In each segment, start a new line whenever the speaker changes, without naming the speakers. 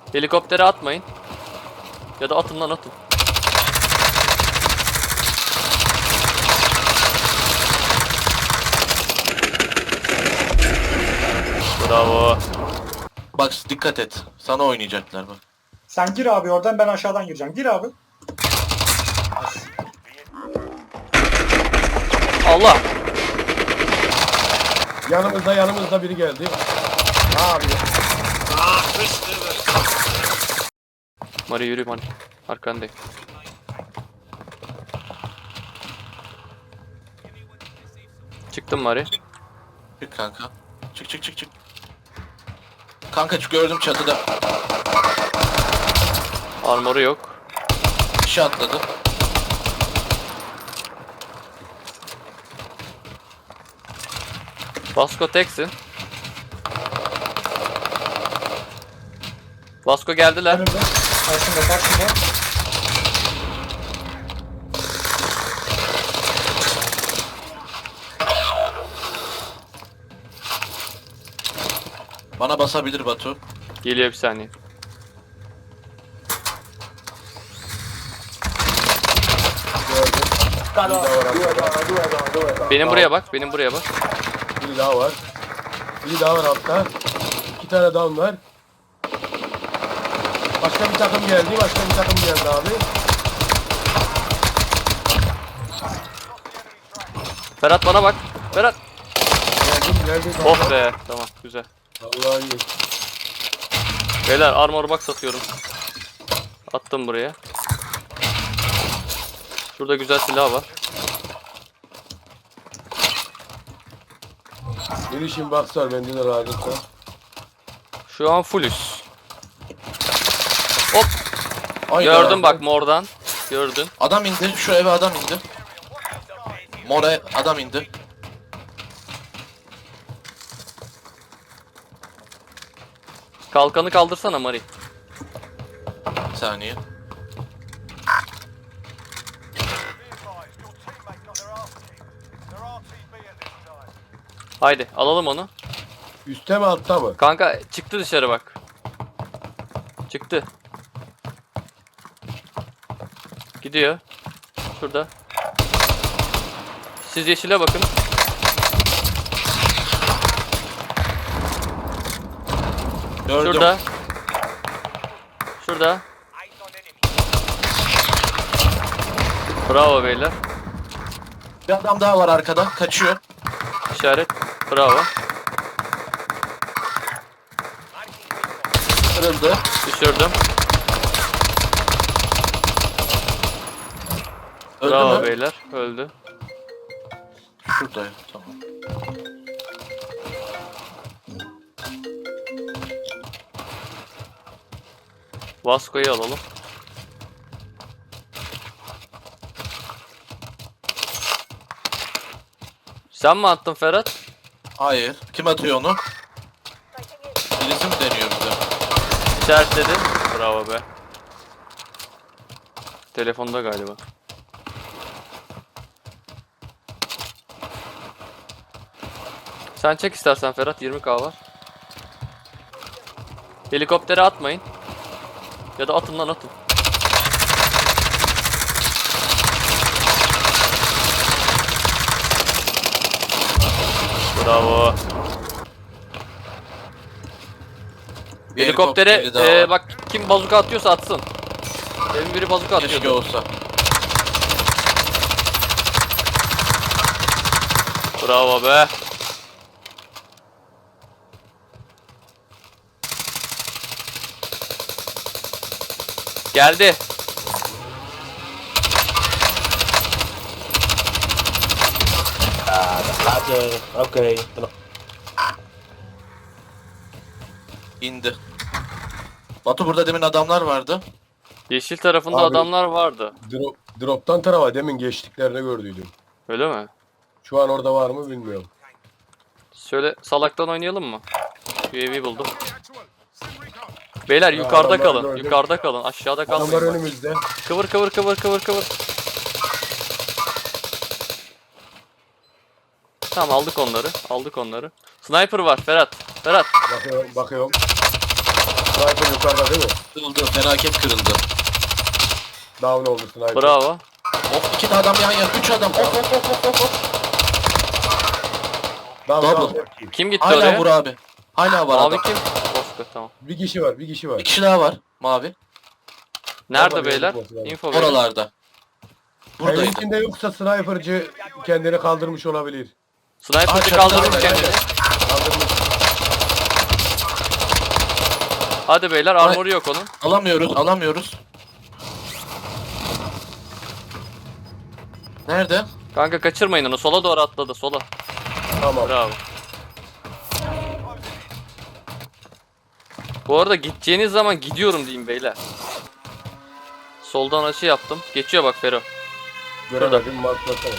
Helikoptere atmayın. Ya da atın lan atın. Bravo.
Bak dikkat et. Sana oynayacaklar bak.
Sen gir abi oradan, ben aşağıdan gireceğim. Gir abi.
Allah.
Yanımızda biri geldi. Abi.
Mari yürü Mari. Arkandayım. Çıktım Mari.
Çık kanka. Çık. Kanka gördüm çatıda.
Armoru yok.
Kişi atladı.
Vasco teksin. Vasco geldiler.
Önümde. Karşımda.
Bana basabilir Batu.
Geliyor bir saniye. Benim buraya bak, benim buraya bak.
Biri daha var. Biri daha var altta. 2 tane down var. Başka bir takım geldi abi.
Ferhat bana bak. Ferhat.
Geldim.
Oh be. Tamam, güzel.
Vallahi iyi.
Beyler armor box satıyorum. Attım buraya. Şurada güzel silah var.
Bir işin baksar bende de rahatlıkla.
Şu an fullüz. Hop.
Hayda.
Gördüm bak mordan. Gördün.
Adam indi. Şu eve adam indi. Mora adam indi.
Kalkanı kaldırsana Mari.
Bir saniye.
Haydi alalım onu.
Üste mi altta mı?
Kanka çıktı dışarı bak. Çıktı. Gidiyor. Şurada. Siz yeşile bakın.
Gördüm.
Şurada. Şurada. Bravo beyler.
Bir adam daha var arkada. Kaçıyor.
İşaret. Bravo.
Kırıldı.
Düşürdüm.
Öldü
Bravo
mü?
beyler. Öldü.
Şurada. Tamam.
Vasco'yu alalım. Sen mi attın Ferhat?
Hayır. Kim atıyor onu? Birisi mi deniyor bize?
İşaretledi. Bravo be. Telefonda galiba. Sen çek istersen Ferhat, 20k var. Helikoptere atmayın. Ya da atın lan atın. Bravo.
Bir
Helikoptere
helikopteri daha var.
bak kim bazuka atıyorsa atsın. Evin biri bazuka
Keşke
atıyordu.
olsa.
Bravo be. Geldi.
Okay.
İndi. Batu burada demin adamlar vardı.
Yeşil tarafında
Abi.
adamlar vardı.
Drop'tan tarafa demin geçtiklerini gördüydüm.
Öyle mi?
Şu an orada var mı bilmiyorum.
Şöyle salaktan oynayalım mı? UAV buldum. Beyler yukarıda
adamlar
kalın.
gördüm.
Yukarıda kalın. Aşağıda
Adamlar
kalmayın. bak.
önümüzde.
Kıvır kıvır kıvır kıvır kıvır. Tamam aldık onları. Aldık onları. Sniper var Ferhat. Ferhat.
Bakıyorum. Sniper yukarıda değil mi?
Kırıldı. Felaket kırıldı.
Down oldu sniper.
Bravo.
Of 2 adam yan yana. 3 adam. Of of of of of. Double.
Kim gitti
Hala
oraya?
vur abi. Hala var
Mavi
adam.
kim? Bozkır, tamam.
Bir kişi var, bir kişi var.
Bir kişi daha var. Mavi.
Nerede
Vallahi
beyler?
olması lazım.
Info verin.
Oralarda.
Evin
Buradaydı.
içinde yoksa sniper'cı kendini kaldırmış olabilir.
Sniper'cı
Aa,
kaldırmış
çatıda,
kendini.
Kaldırmış.
Hadi beyler, armoru yok onun.
Alamıyoruz. Alamıyoruz. Nerede?
Kanka kaçırmayın onu. Sola doğru atladı. Sola.
Tamam.
Bravo. Bu arada gideceğiniz zaman gidiyorum diyeyim beyler. Soldan açı yaptım. Geçiyor bak Fero.
Göremedim, marklasana.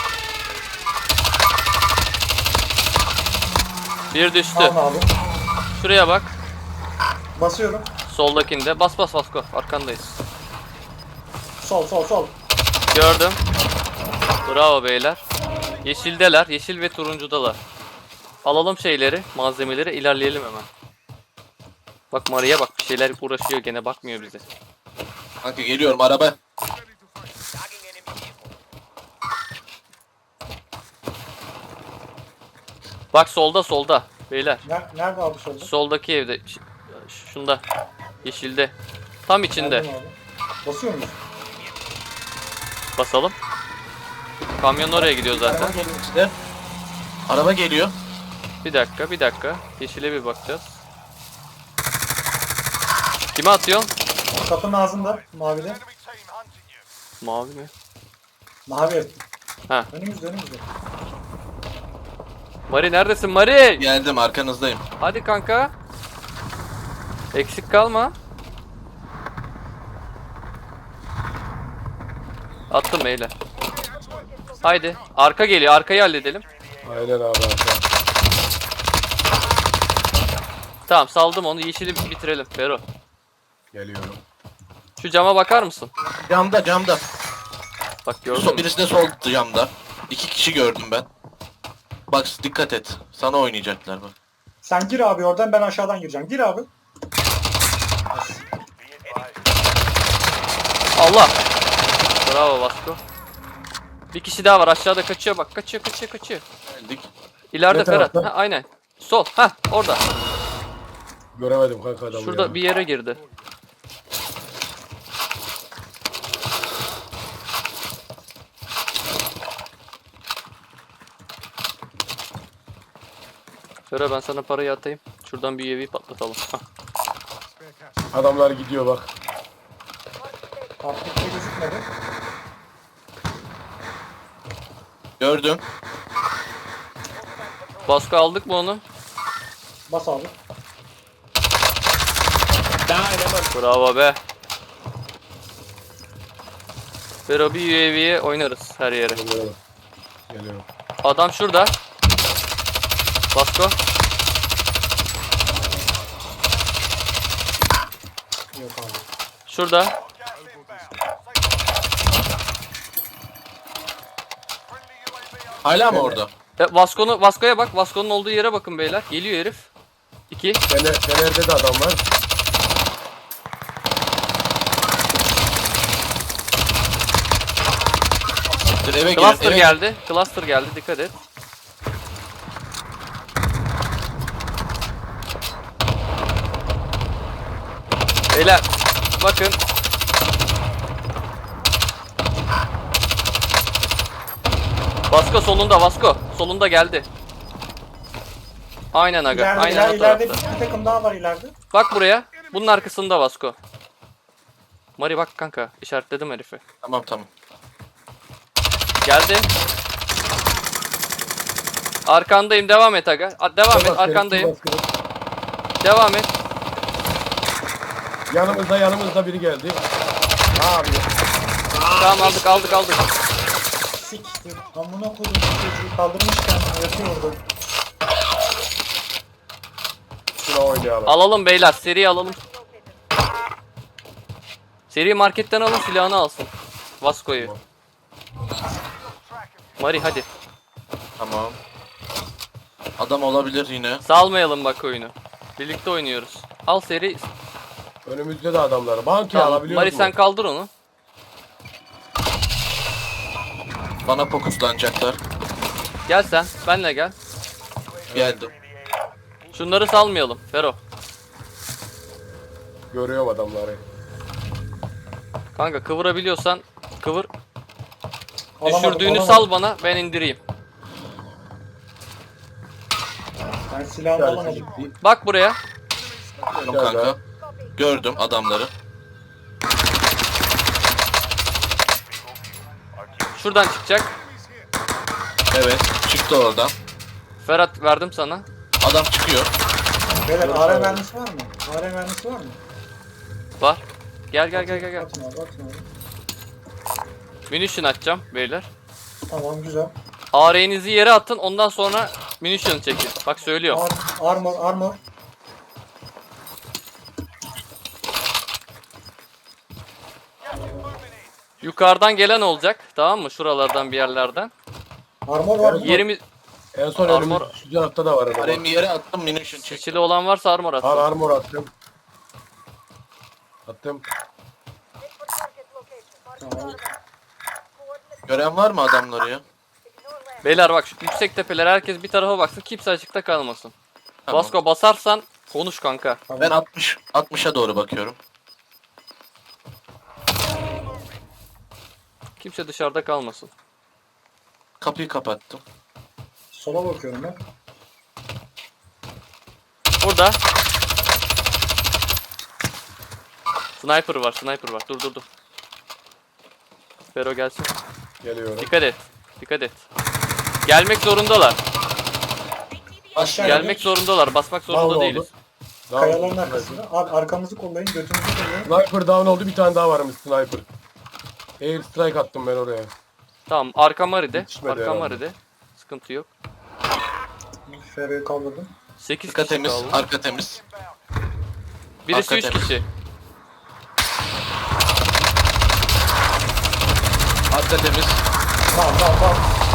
Bir düştü.
Tamam abi.
Şuraya bak.
Basıyorum.
Soldakinde. Bas bas Vasko. Arkandayız.
Sol sol sol.
Gördüm. Bravo beyler. Yeşildeler. Yeşil ve turuncudalar. Alalım şeyleri, malzemeleri, ilerleyelim hemen. Bak Maria bak, bir şeyler uğraşıyor gene, bakmıyor bize.
Kanka geliyorum araba.
Bak solda solda beyler.
Nerede abi solda?
Soldaki evde. Şunda. Yeşilde. Tam içinde.
Nerede abi? Basıyor muyuz?
Basalım. Kamyon oraya gidiyor zaten.
Araba geliyor işte. Araba geliyor.
Bir dakika bir dakika. Yeşile bir bakacağız. Kime atıyorsun?
Kapının ağzında. Mavide.
Mavi mi?
Mavi ev.
Ha.
Önümüzde önümüzde.
Mari neredesin Mari?
Geldim arkanızdayım.
Hadi kanka. Eksik kalma. Attım beyler. Haydi. Arka geliyor. Arkayı halledelim.
Aynen abi. Arka.
Tamam saldım onu. Yeşili bitirelim. Fero.
Geliyorum.
Şu cama bakar mısın?
Camda camda.
Bak gördün mü?
Birisi de sol camda. 2 kişi gördüm ben. Bak dikkat et. Sana oynayacaklar bak.
Sen gir abi oradan, ben aşağıdan gireceğim. Gir abi.
Allah. Bravo Vasco. Bir kişi daha var. Aşağıda kaçıyor bak. Kaçıyor.
Geldik.
İleride
Ne
Ferhat.
tarafta?
Ha, aynen. Sol. Ha orada.
Göremedim kanka adamı
Şurada
ya.
bir yere girdi. Ferhat ben sana parayı atayım. Şuradan bir UAV patlatalım. Hah.
Adamlar gidiyor bak.
Artık bir gözükmedi.
Gördüm.
Baskı aldık mı onu?
Bas abi.
Bravo be. Ferhat bir UAV'ye oynarız her yere.
Geliyorum. Geliyorum.
Adam şurada. Basko.
Yok abi.
Şurada.
Hala mı orada?
Vasco'ya bak. Vasco'nun olduğu yere bakın beyler. Geliyor herif. 2.
Fener'de de adam var.
Dur eve girin.
Cluster
Eve
geldi. Cluster geldi. Dikkat et. Beyler bakın. Vasco solunda. Vasco solunda geldi. Aynen aga.
İleride,
Aynen o
ileride
tarafta.
bir takım daha var ileride.
Bak buraya. Bunun arkasında Vasco. Mari bak kanka. İşaretledim herifi.
Tamam tamam.
Geldi. Arkandayım. Devam et aga. Devam et. Arkandayım. Devam et.
Yanımızda biri geldi. Abi.
Tamam aldık.
Siktir. Amına koydum, çocuğu kaldırmış kendini, yatıyor orada.
Şuna oynayalım.
Alalım beyler. Seri alalım. Seri marketten alın, silahını alsın. Vasco'yu. Mari hadi.
Tamam. Adam olabilir yine.
Salmayalım bak oyunu. Birlikte oynuyoruz. Al seri.
Önümüzde de adamlar. Banki
Tamam,
alabiliyoruz
Mari
mu?
sen kaldır onu.
Bana fokuslanacaklar.
Gel sen. Benle gel.
Geldim.
Şunları salmayalım. Fero.
Görüyorum adamları.
Kanka kıvırabiliyorsan kıvır.
Alamadım,
Düşürdüğünü
alamadım.
sal bana, ben indireyim.
Ben silahını
Gelsin
alamadım.
ciddi.
Bak buraya.
Gördüm
Gel
kanka.
be.
Gördüm adamları.
Şuradan çıkacak.
Evet. Çıktı oradan.
Ferhat verdim sana.
Adam çıkıyor.
Beyler
Yok,
AR
abi.
mermisi var mı? AR mermisi var mı?
Var. Gel gel gel gel gel.
Atın abi, atın abi.
Munition atacağım beyler.
Tamam güzel.
AR'nizi yere atın, ondan sonra munition çekin. Bak söylüyorum.
Armor.
Yukarıdan gelen olacak. Tamam mı? Şuralardan bir yerlerden.
Armor var mı?
Yerimiz
En son
Armor-
önümüz şu tarafta da var adam.
Aremi yere attım, munition çektim.
seçili olan varsa armor
Al
atsın.
armor attım. Attım.
Tamam.
Gören var mı adamları ya?
Beyler bak şu yüksek tepeler, herkes bir tarafa baksın. Kimse açıkta kalmasın.
Tamam.
Basko basarsan konuş kanka.
Tamam.
Ben 60'a doğru bakıyorum.
Kimse dışarıda kalmasın.
Kapıyı kapattım.
Sola bakıyorum ben.
Burada. Sniper var, sniper var. Dur dur dur. Fero gelsin.
Geliyorum.
Dikkat et. Dikkat et. Gelmek zorundalar.
Aşağı
Gelmek zorundalar. Basmak zorunda
Down oldu.
değiliz.
Down
Kayaların
oldu.
arkasında. Abi arkamızı kollayın, götümüzü kollayın.
Sniper down oldu. Bir tane daha varmış sniper. Air strike attım ben oraya.
Tamam, arka Mari'de.
Yetişmedi
Arka
herhalde.
Mari'de. Sıkıntı yok.
Ferro'yu kaldırdım.
8
Arka
kişi
temiz,
kaldı.
arka temiz.
Birisi
arka
3
temiz.
kişi.
Arka temiz.
Tamam.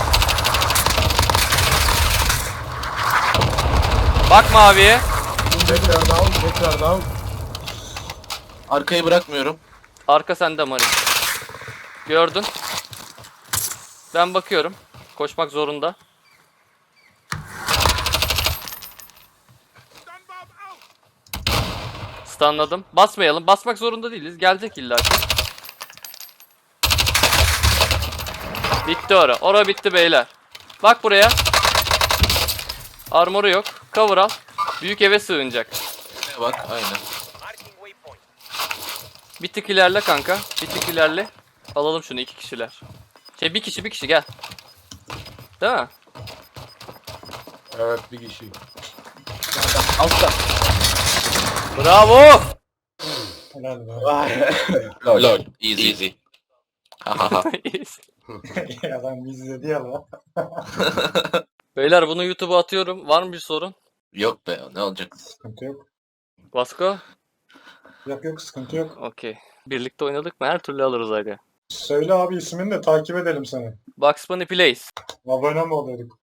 Bak maviye.
Tekrar down. Tekrar down.
Arkayı bırakmıyorum.
Arka sende Mari. Gördün. Ben bakıyorum. Koşmak zorunda. Stunladım. Basmayalım. Basmak zorunda değiliz. Gelecek illa ki. Bitti ora. Ora bitti beyler. Bak buraya. Armoru yok. Cover al. Büyük eve sığınacak.
Ne bak, aynen.
Bir tık ilerle kanka. Bir tık ilerle. Alalım şunu, 2 kişiler. Bir kişi gel. Değil mi?
Evet bir kişi.
Altta.
Bravo.
Helal be.
Lol. Easy. Hahaha.
Adam izledi ya lan.
Beyler bunu YouTube'a atıyorum. Var mı bir sorun?
Yok be, ne olacak?
Sıkıntı yok.
Vasco?
Yok sıkıntı yok.
Okey. Birlikte oynadık mı her türlü alırız aga.
Söyle abi ismini de takip edelim seni.
Bugs Bunny Plays.
Abone mi oluyorduk?